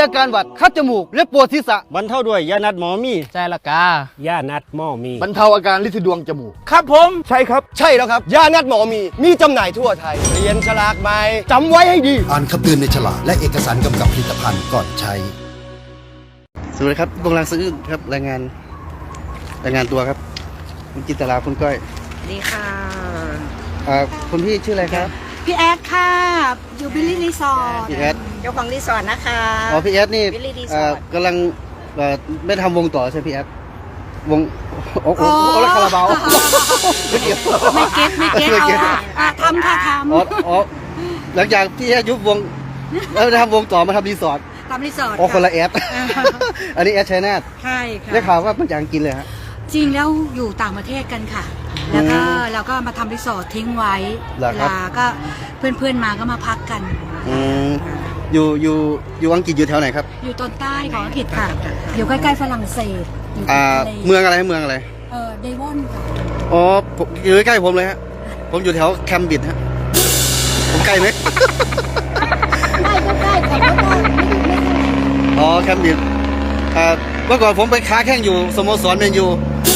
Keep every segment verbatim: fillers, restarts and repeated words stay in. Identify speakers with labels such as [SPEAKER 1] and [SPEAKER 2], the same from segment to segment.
[SPEAKER 1] อาการหวัดคัดจมูกและปวดศีรษะ
[SPEAKER 2] บรรเทาด้วยยานัดหมอมี
[SPEAKER 3] ใช่ละกา
[SPEAKER 2] ยานัดหมอมี
[SPEAKER 1] บรรเทาอาการลินดวงจมูก
[SPEAKER 2] ครับผมใช่ครับใช่แล้วครับยานัดหมอมีมีจำหน่ายทั่วไทยเรียนฉลากใหม่จำไว้ให้ดี
[SPEAKER 4] อ่านคำเตือนในฉลากและเอกสารกำกับผลิตภัณฑ์ก่อนใช้
[SPEAKER 1] สวัสดีครับวงรังซื้อครับรายงานรายงานตัวครับคุณจินตลาคุณก้อย
[SPEAKER 5] สวัสดีค่ะ
[SPEAKER 1] อ่าคุณพี่ชื่ออะไรครับ
[SPEAKER 5] พี่แอดค่ะ อยู่บิลลี่รีสอร์ท
[SPEAKER 1] พี่แอด
[SPEAKER 5] เจ้าของรีสอร์ทนะคะ
[SPEAKER 1] อ๋อพี่แอดนี่
[SPEAKER 5] Billy Resort
[SPEAKER 1] อ่ากำลังเอ่อไม่ทำวงต่อใช่พี่แอดวงโอ้โหโอ้แล้วคาราบาวไม่เกี่ยว
[SPEAKER 5] ไม่เก็ตไม่เก็ต
[SPEAKER 1] ไม่
[SPEAKER 5] เอา
[SPEAKER 1] เก็ต
[SPEAKER 5] ค่ะอ่ะทำค่ะท
[SPEAKER 1] อ๋ออ๋อหลังจากพี่แอดยุบวงแล้วทำวงต่อมาทำรีสอร์ท
[SPEAKER 5] ำทำรีสอร์ท
[SPEAKER 1] อ๋อคนละ
[SPEAKER 5] ค่ะ
[SPEAKER 1] แอดอันนี้แอดชัยนาท
[SPEAKER 5] ใช่ค่ะ
[SPEAKER 1] ได้ข่าวว่ามันจะกินเลยฮะ
[SPEAKER 5] จริงแล้วอยู่ต่างประเทศกันค่ะ แล้วก็เราก็มาทำรีสอร์ททิ้งไว้
[SPEAKER 1] เหรอ
[SPEAKER 5] เว
[SPEAKER 1] ครับ
[SPEAKER 5] ลาก็เพื่อนๆมาก็มาพักกัน
[SPEAKER 1] อืมอยู่อยู่อยู่อังกฤษอยู่แถวไหนครับ
[SPEAKER 5] อยู่ตอนใต้ของอังกฤษค่ะ อยู่ใกล้ๆฝรั่งเศสอยู่
[SPEAKER 1] อ่า
[SPEAKER 5] ทะเล
[SPEAKER 1] เมืองอะไรเมืองอะไร
[SPEAKER 5] เออเดวอนค่ะ
[SPEAKER 1] อ๋อผมอยู่ใกล้ๆผมเลยฮะผมอยู่แถวแคมบริดจ์ฮะผมใกล้ไหม
[SPEAKER 5] ใกล้ก็ใกล้แต่ก็ไม่ไม่ไม่เท่าไหร่
[SPEAKER 1] อ๋อแคมบริดจ์อ่าเมื่อก่อนผมไปค้าแข่งอยู่สโมสรแมนยู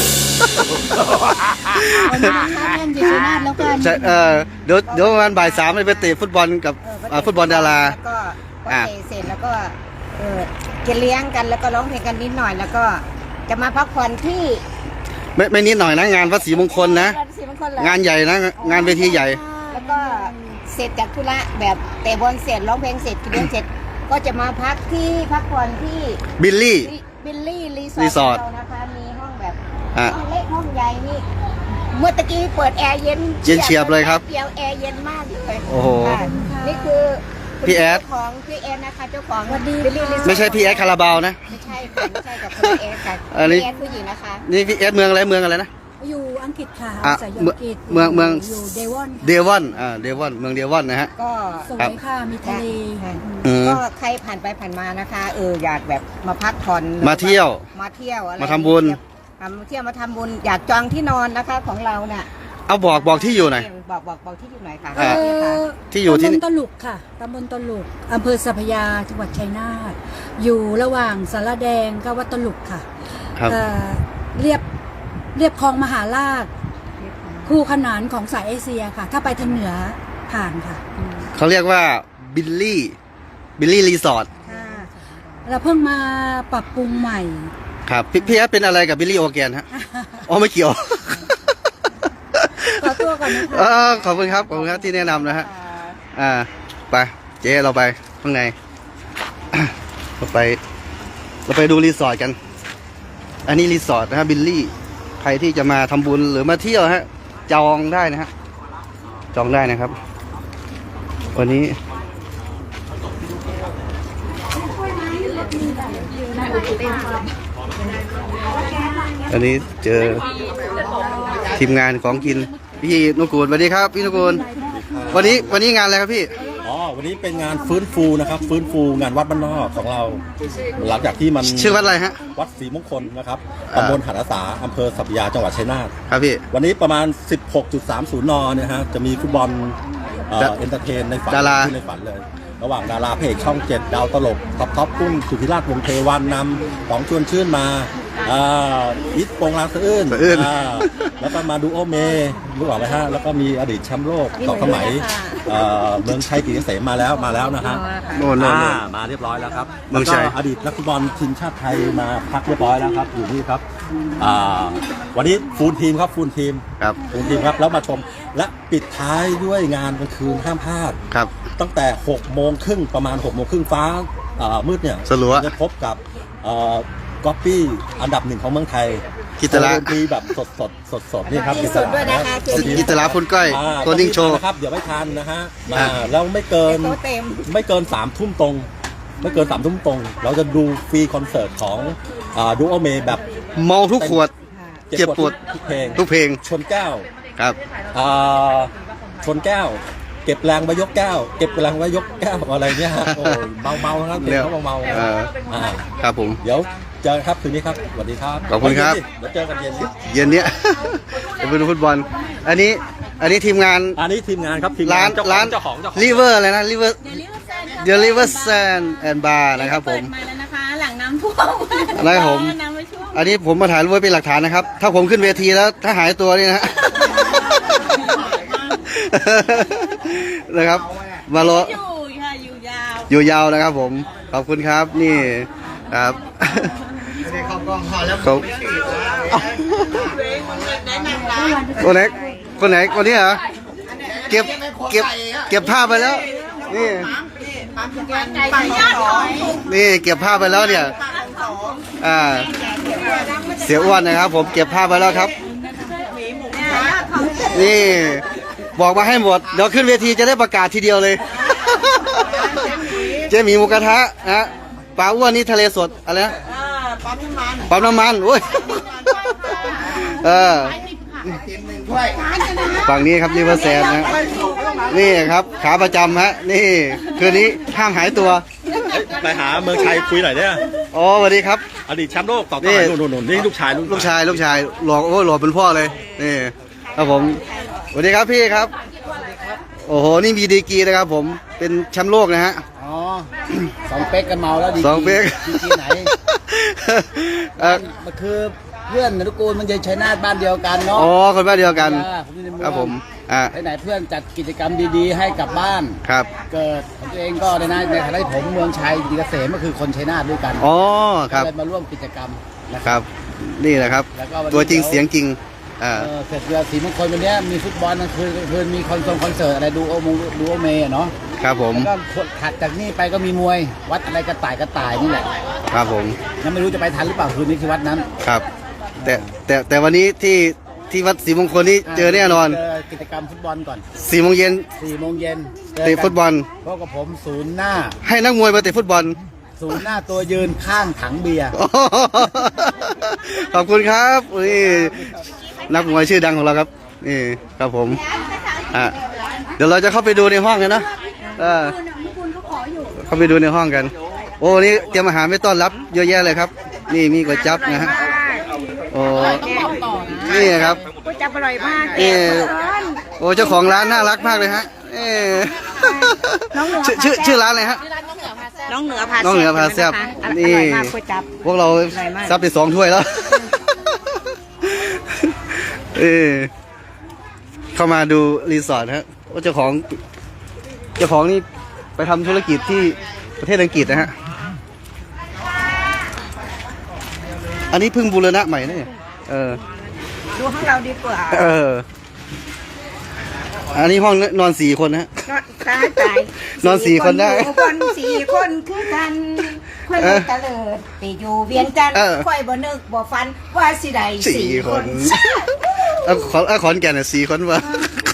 [SPEAKER 5] วันนี้ค้าแข่งอยู่ชัยนาทแล้วกัน
[SPEAKER 1] ใช่เออเดี๋ยวเดี๋ยวประมาณบ่ายสามไปเตะฟุตบอลกับอ่าฟุตบอลดารา
[SPEAKER 6] แล้วก็พอ
[SPEAKER 1] อ่ะ
[SPEAKER 6] เตะเสร็จแล้วก็เออกินเลี้ยงกันแล้วก็ร้องเพลงกันนิดหน่อย แล้วก็จะมาพักผ่อนที่
[SPEAKER 1] ไม่ไม่นิดหน่อยนะงานพระศรีมงคลนะ
[SPEAKER 6] ราชสีมงคลเหรอง
[SPEAKER 1] านใหญ่นะงานเวทีใหญ่
[SPEAKER 6] แล้วก็เสร็จจากธุระแบบเตะบอลเสร็จร้องเพลงเสร็จกินเลี้ยงเสร็จ ก็จะมาพักที่พักผ่อนที่
[SPEAKER 1] บิลลี่
[SPEAKER 6] บิลลี่รี
[SPEAKER 1] รี
[SPEAKER 6] ส
[SPEAKER 1] ส
[SPEAKER 6] อ
[SPEAKER 1] อ
[SPEAKER 6] ร์
[SPEAKER 1] ร์
[SPEAKER 6] ท
[SPEAKER 1] ท
[SPEAKER 6] เรานะคะมีห้องแบบ
[SPEAKER 1] อ่ะ
[SPEAKER 6] ห้องเล็กห้องใหญ่นี่เมื่อตะกี้เปิดแอร์เย็น
[SPEAKER 1] เย็นเฉียบเลยครับ
[SPEAKER 6] เดียวแอร์เย็นมากเลย
[SPEAKER 1] โอ้โห
[SPEAKER 6] ค่ะนี่คือคุณ
[SPEAKER 1] พี่แอด
[SPEAKER 6] เจ้าของพี่แอดนะคะเจ้าของบิลลี่รีสอร์ท
[SPEAKER 1] ไม่ใช่พี่แอดคาราบาวนะ
[SPEAKER 6] ไม่ใช่ค่ะไม่ใช่กับคุณแอดค่ะ
[SPEAKER 1] อันนี้
[SPEAKER 6] พี่แอดผู้หญิงนะคะ
[SPEAKER 1] นี่พี่แอดเมืองอะไรเมืองอะไรนะ
[SPEAKER 5] อยู่อังกฤษค่ะ
[SPEAKER 1] อ่ะ
[SPEAKER 5] อาศัยอยู่
[SPEAKER 1] เมือง
[SPEAKER 5] อังกฤษ
[SPEAKER 1] เมืองเมือง
[SPEAKER 5] อยู่เดวอน
[SPEAKER 1] เดวอนอ่าเดวอนเมืองเดวอนนะฮะ
[SPEAKER 6] ก็
[SPEAKER 5] สว
[SPEAKER 1] ครับ
[SPEAKER 5] ยค่ะ มีทะเล
[SPEAKER 6] ค่ะ
[SPEAKER 1] อืม
[SPEAKER 6] ก็ใครผ่านไปผ่านมานะคะเอออยากแบบมาพักผ่อน
[SPEAKER 1] มาเที่ยว
[SPEAKER 6] มาเที่ยวอะไร
[SPEAKER 1] มาทำบุญ
[SPEAKER 6] มาเที่ยวมาทำบุญอยากจองที่นอนนะคะของเราเนี่ย
[SPEAKER 1] เอาบอกบอกที่อยู่หน่อย
[SPEAKER 6] บอกบอกบอกที่อยู่หน่อยค่ะ
[SPEAKER 1] อ่า
[SPEAKER 6] นี่ค่ะ
[SPEAKER 1] ที่อยู่ที่
[SPEAKER 5] ตำบลตลุกค่ะตำบลตลุกอำเภอสัพยาจังหวัดชัยนาทอยู่ระหว่างสารแดงกับวัดตลุกค่ะ
[SPEAKER 1] ครับ
[SPEAKER 5] เอ่อเรียบเรียบคลองมหาราชคู่ขนานของสายเอเชียค่ะ ถ้าไปทางเหนือผ่านค่ะ
[SPEAKER 1] เขาเรียกว่าบิลลี่บิลลี่รีสอร์ท
[SPEAKER 5] ค่ะเราเพิ่งมาปรับปรุงใหม่
[SPEAKER 1] ครับพี่พี่แอดเป็นอะไรกับบิลลี่โอแกนฮะอ๋อไม่เกี่ยว
[SPEAKER 5] ขอตัวก่อนนะคะ
[SPEAKER 1] เออขอบคุณครับขอบคุณครับที่แนะนำนะฮะอ่าไปเจ๊เราไปข้างใน เราไป เราไปดูรีสอร์ทกัน อันนี้รีสอร์ทนะฮะบิลลี่ใครที่จะมาทำบุญหรือมาเที่ยวฮะจองได้นะฮะจองได้นะครับ วันนี้ อันนี้เจอทีมงานของกินพี่นุกูลสวัสดีครับพี่นุกูลวันนี้วันนี้งานอะไรครับพี่
[SPEAKER 7] อ๋อวันนี้เป็นงานฟื้นฟูนะครับฟื้นฟูงานวัดบ้านนอกของเรา หลังจากที่มัน
[SPEAKER 1] ชื่อวัดอะไรฮะ
[SPEAKER 7] วัดศรีมงคลนะครับ
[SPEAKER 1] อ่า
[SPEAKER 7] ตำบลหันอาสาอำเภอสัพยาจังหวัดชัยนาท
[SPEAKER 1] ครับพี่
[SPEAKER 7] วันนี้ประมาณ สิบหกจุดสามศูนย์ นเนี่ยฮะจะมีฟุตบอลเอ่อ
[SPEAKER 1] ดา
[SPEAKER 7] เอนเตอร์เทนในฝัน
[SPEAKER 1] ดารา
[SPEAKER 7] ที่ในฝันเลย ระหว่างดาราเพจช่องเจ็ดดาวตลกท็อปท็อปกุ้งสุธิราชวงศ์เทวันนำของชวนชื่นมาอ่าอิทโปงลางสะอื้น
[SPEAKER 1] สะอื้น
[SPEAKER 7] อ่าแล้วก็มาดูโอเมรู้หรอไหมฮะแล้วก็มีอดีตแชมป์โลกสองสมัยเอ่อเมืองชัยกฤษเกษมมาแล้วมาแล้วนะฮะ
[SPEAKER 1] โน่นโน่นโน่น
[SPEAKER 7] อ่ามาเรียบร้อยแล้วครับ
[SPEAKER 1] เมืองชัย
[SPEAKER 7] แล้วก็อดีตนักฟุตบอลทีมชาติไทยมาพักเรียบร้อยแล้วครับอยู่นี่ครับอ่าวันนี้ฟูลทีมครับฟูลทีม
[SPEAKER 1] ครับ
[SPEAKER 7] ฟูลทีมครับแล้วมาชมและปิดท้ายด้วยงานกลางคืนห้ามพลาด
[SPEAKER 1] ครับ
[SPEAKER 7] ตั้งแต่หกโมงครึ่งประมาณหกโมงครึ่งฟ้าอ่ามืดเนี่ย
[SPEAKER 1] สลัว
[SPEAKER 7] จะพบกับก๊อปปี้อันดับหนึ่งของเมืองไทย
[SPEAKER 1] กิตระ
[SPEAKER 7] ดนตรีแบบสดสดสดสดๆนี่ครับ
[SPEAKER 6] มีสดด้วยนะคะ
[SPEAKER 1] กิตลาพุนก้อย
[SPEAKER 7] อ่า
[SPEAKER 1] โคนิ่งโชว์
[SPEAKER 7] นะครับเดี๋ยวไม่ทันนะฮะมา
[SPEAKER 1] อ่า
[SPEAKER 7] แล้วไม่เกิน
[SPEAKER 6] โต๊ะเต็ม
[SPEAKER 7] ไม่เกินสามทุ่มตรง ไม่เกินสามทุ่มตรง เราจะดูฟรีคอนเสิร์ตของดูโอเมแบบ
[SPEAKER 1] เมาทุกขวด เจ็บปวด
[SPEAKER 7] ทุกเพลง
[SPEAKER 1] ทุกเพลง
[SPEAKER 7] ชนแก้ว
[SPEAKER 1] ครับ
[SPEAKER 7] อ่าชนแก้ว เก็บแรงไว้ยกแก้ว เก็บแรงไว้ยกแก้วอะไรเนี่ยฮะโอ้ยเมาเมาๆนะครับเพลงเขาเมาๆ
[SPEAKER 1] เออ
[SPEAKER 7] อ่า
[SPEAKER 1] ครับผม
[SPEAKER 7] เดี๋ยวเจอกันครับคืนนี้ครับสวัสดีครับ
[SPEAKER 1] ขอบคุณครับ
[SPEAKER 7] เดี๋ยวเจอกันเย็นนี้
[SPEAKER 1] เย็นเนี้ย จะไปดูฟุตบอล อันนี้ อันนี้ทีมงาน
[SPEAKER 7] อันนี้ทีมงานครับทีมงา
[SPEAKER 1] ร้าน
[SPEAKER 7] เจ้าขอ
[SPEAKER 1] ร้าง น
[SPEAKER 7] เจ้าของเจ้าของ
[SPEAKER 1] ลิเวอร์อะไรนะลิเวอร์
[SPEAKER 5] เดลิเวอร์แซน
[SPEAKER 1] The River Sand and Bar นะครับผม
[SPEAKER 3] เปิดมาแล้วนะคะ หลังน้ำท่วม
[SPEAKER 1] นะครับผม
[SPEAKER 3] น้ำไม่ท่วม
[SPEAKER 1] อันนี้ผมมาถ่ายรูปไว้เป็นหลักฐานนะครับ ถ้าผมขึ้นเวทีแล้วถ้าหายตัวนี่นะ นะครับ มารอ
[SPEAKER 3] อยู่ค่ะอยู่ยาว
[SPEAKER 1] อยู่ยาวนะครับผม ขอบคุณครับ นี่ครับเขาคนไหนคนไหนคนนี้เหรอ เก็บ เก็บ เก็บภาพไปแล้ว นี่ นี่เก็บภาพไปแล้วเนี่ย อ่า เสียอ้วนนะครับ ผมเก็บภาพไปแล้วครับ นี่บอกมาให้หมด เดี๋ยวขึ้นเวทีจะได้ประกาศทีเดียวเลย เจ๊หมีหมูกระทะนะปลาอ้วนนี่ทะเลสดอะไรนะปั๊มน้ำมันปั๊มน้ำมันโอ้ยเออฝั่งนี้ครับริเวอร์แซนนะนี่ครับขาประจำฮะนี่คืนนี้ห้ามหายตัว
[SPEAKER 7] ไปหาเมืองชัยคุยหน่อยเนี่ย
[SPEAKER 1] อ๋อสวัสดีครับ
[SPEAKER 7] อดีตแชมป์โลกต่อต่อนู่นนู่นนี่ลูกชาย
[SPEAKER 1] ลูกชายลูกชายหล่อโอ้หล่อเป็นพ่อเลยนี่ครับผมสวัสดีครับพี่ครับโอ้โหนี่มีดีกรีนะครับผมเป็นแชมป์โลกนะฮะ
[SPEAKER 8] อ๋อสองเป๊กกันเมาแล้วดี
[SPEAKER 1] สองเป๊ก
[SPEAKER 8] ดีกีไหน
[SPEAKER 1] เอ่อ
[SPEAKER 8] มันคือเพื่อนนรุกูลมันจะชัยนาทบ้านเดียวกันเนาะ
[SPEAKER 1] อ๋อคนบ้านเดียวกัน
[SPEAKER 8] อ่าผมอยู่ในเมือง
[SPEAKER 1] ครับผมอ่า
[SPEAKER 8] ไหนๆเพื่อนจัดกิจกรรมดีๆ ให้กับบ้าน
[SPEAKER 1] ครับ
[SPEAKER 8] เกิดของตัวเองก็ในนั้นในฐานะที่ผมเมืองชัยดีเกษมก็คือคนชัยนาทด้วยกัน
[SPEAKER 1] อ๋อครับ
[SPEAKER 8] ก็เลยมาร่วมกิจกรรมนะค
[SPEAKER 1] ครับ รับนี่แหละครับ
[SPEAKER 8] แล้วก็วันนี้
[SPEAKER 1] ตัวจริงเสียงจริงอ่า
[SPEAKER 8] เออเสร็จเรือสีมงคลวันเนี้ยมีฟุตบอลกลางคืนกลางคืนมีคอนเสิร์ตคอนเสิร์ตอะไรดูโอมงดูโอเมอะเนาะ
[SPEAKER 1] ครับผม
[SPEAKER 8] แล้วก็ถัดจากนี่ไปก็มีมวยวัดอะไรกระต่ายกระต่ายนี่แหละ
[SPEAKER 1] ครับผม
[SPEAKER 8] ยังไม่รู้จะไปทันหรือเปล่าคืนนี้ที่วัดนั้น
[SPEAKER 1] ครับ แต่แต่แต่วันนี้ที่ที่วัดศรีมงคลนี่เจอแน่นอน
[SPEAKER 8] เจอกิจกรรมฟุตบอลก่อน
[SPEAKER 1] สี่โมงเย็น
[SPEAKER 8] สี่โมงเย็น
[SPEAKER 1] เตะฟุตบอล
[SPEAKER 8] พบกับผมศูนย์หน้า
[SPEAKER 1] ให้นักมวยมาเตะฟุตบอล
[SPEAKER 8] ศูนย์หน้าตัวยืนข้างถังเบียร์
[SPEAKER 1] ขอบคุณครับนี่นักมวยชื่อดังของเราครับนี่ครับผมอ่ะเดี๋ยวเราจะเข้าไปดูในห้องกันนะเออเข้าไปดูในห้องกัน โอ้นี่เตรียมอาหารไม่ต้อนรับเยอะแยะเลยครับ นี่มีก๋วยจั๊บนะฮะโอ้นี่ครับ
[SPEAKER 6] ก๋วยจั๊บอร่อยมาก
[SPEAKER 1] นี่โอ้เจ้าของร้านน่ารักมากเลยฮะเอ้ชื่อชื่อชื่อร้านอะไรฮะ
[SPEAKER 6] น้องเหนือพา
[SPEAKER 1] น้องเหนือพาแซ่บ
[SPEAKER 6] นี่
[SPEAKER 1] นี่
[SPEAKER 6] อร่อยมากก๋วยจั๊บ
[SPEAKER 1] พวกเราซับไปสองถ้วยแล้ว เออเข้ามาดูรีสอร์ทฮะว่าเจ้าของเจ้าของนี่ไปทำธุรกิจที่ประเทศอังกฤษนะฮะ อันนี้เพิ่งบูรณะใหม่นะเนี่ยเออ
[SPEAKER 6] ดูของเราดีกว่า
[SPEAKER 1] เออ อันนี้ห้องนอนสี่คนนะฮะ
[SPEAKER 6] ตายตาย
[SPEAKER 1] นอนสี่คนได้
[SPEAKER 6] อยู่คนสี่คนคือกันค่อยบ่ตะเลิดไปอยู่เวียงจันทร์
[SPEAKER 1] เออ
[SPEAKER 6] ค่อยบ่นึกบ่ฟันว่าสิได้
[SPEAKER 1] สี่
[SPEAKER 6] สี่
[SPEAKER 1] ค
[SPEAKER 6] คน น
[SPEAKER 1] เอาขอนเอาขอนแก่นน่ะสี่คนวะ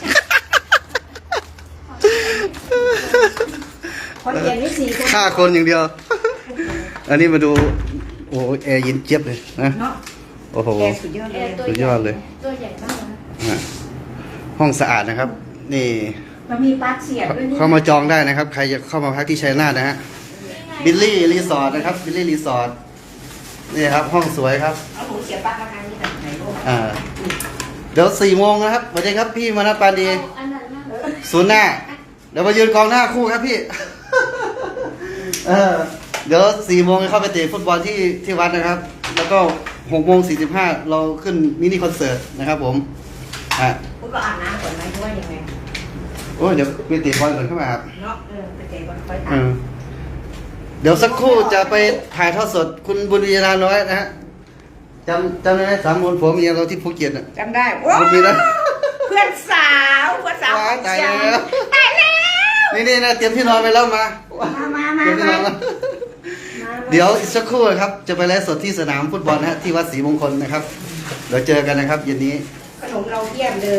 [SPEAKER 6] คนเดียวนี่สี่คน
[SPEAKER 1] ห้าคนอย่างเดียว อันนี้มาดู โอ้โหแอร์เย็นเจี๊ยบเลยนะ
[SPEAKER 6] เนาะ
[SPEAKER 1] โอ้โห
[SPEAKER 6] แกสุดยอดเลย
[SPEAKER 1] สุดยอดเลย
[SPEAKER 6] ตัวใหญ่มากนะ
[SPEAKER 1] ฮะห้องสะอาดนะครับ นี่
[SPEAKER 6] มันมีปลั๊กเสียบด้วยนี่
[SPEAKER 1] เข้ามาจองได้นะครับ ใครจะเข้ามาพักที่ชัยนาทนะฮะ บิลลี่รีสอร์ทนะครับ บิลลี่รีสอร์ท นี่ครับ ห้องสวยครับ
[SPEAKER 6] เอาหมูเสียบปลั๊กราคานี้แบบไหนลูก
[SPEAKER 1] อ่า เดี๋ยวสี่โมงนะครับสวัสดีครับพี่มนัสปานดีศูนย์หน้า เดี๋ยวมายืนกองหน้าคู่ครับพี่ เออ เดี๋ยวสี่โมงเข้าไปเตะฟุตบอลที่ที่วัดนะครับ แล้วก็หกโมงสี่สิบห้าเราขึ้นมินิคอนเสิร์ตนะครับผม อ่ะ
[SPEAKER 6] คุณก็อาบน้ำก่อนไหมหรือว่ายังไง
[SPEAKER 1] โอ้ยเดี๋ยวไปเตะบอลก่อนเข้ามาครับ
[SPEAKER 6] เนาะเออไปเตะบอลค่อย
[SPEAKER 1] เอ
[SPEAKER 6] ตาม
[SPEAKER 1] อเดี๋ยวสักครู่จะไปถ่ายทอดสดคุณบุญวีราน้อยนะฮะจำจำได้ไหมสามมนผัวเมียเราที่ภูเก็ตอ่ะ
[SPEAKER 6] จำได้โอ้
[SPEAKER 1] บุญวีรา
[SPEAKER 6] เพื่อนสาวเพื่อนสาว
[SPEAKER 1] ว้ายตายแล้ว
[SPEAKER 6] ตายแล้ว
[SPEAKER 1] นี่นี่นะเตรียมที่นอนไปแล้วมา
[SPEAKER 6] มามามา
[SPEAKER 1] เตรียมที่น
[SPEAKER 6] มา
[SPEAKER 1] อนแล้วเดี๋ยวอีกสักครู่ครับ จะไปไลฟ์สดที่สนามฟุตบอลนะฮะที่วัดศรีมงคลนะครับ เดี๋ยวเจอกันนะครับเย็นนี้
[SPEAKER 6] ขนมเราเพียบเลย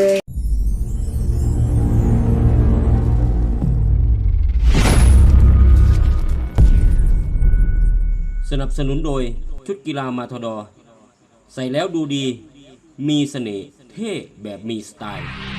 [SPEAKER 9] สนับสนุนโดยชุดกีฬามาทดอ ใส่แล้วดูดี มีเสน่ห์เท่แบบมีสไตล์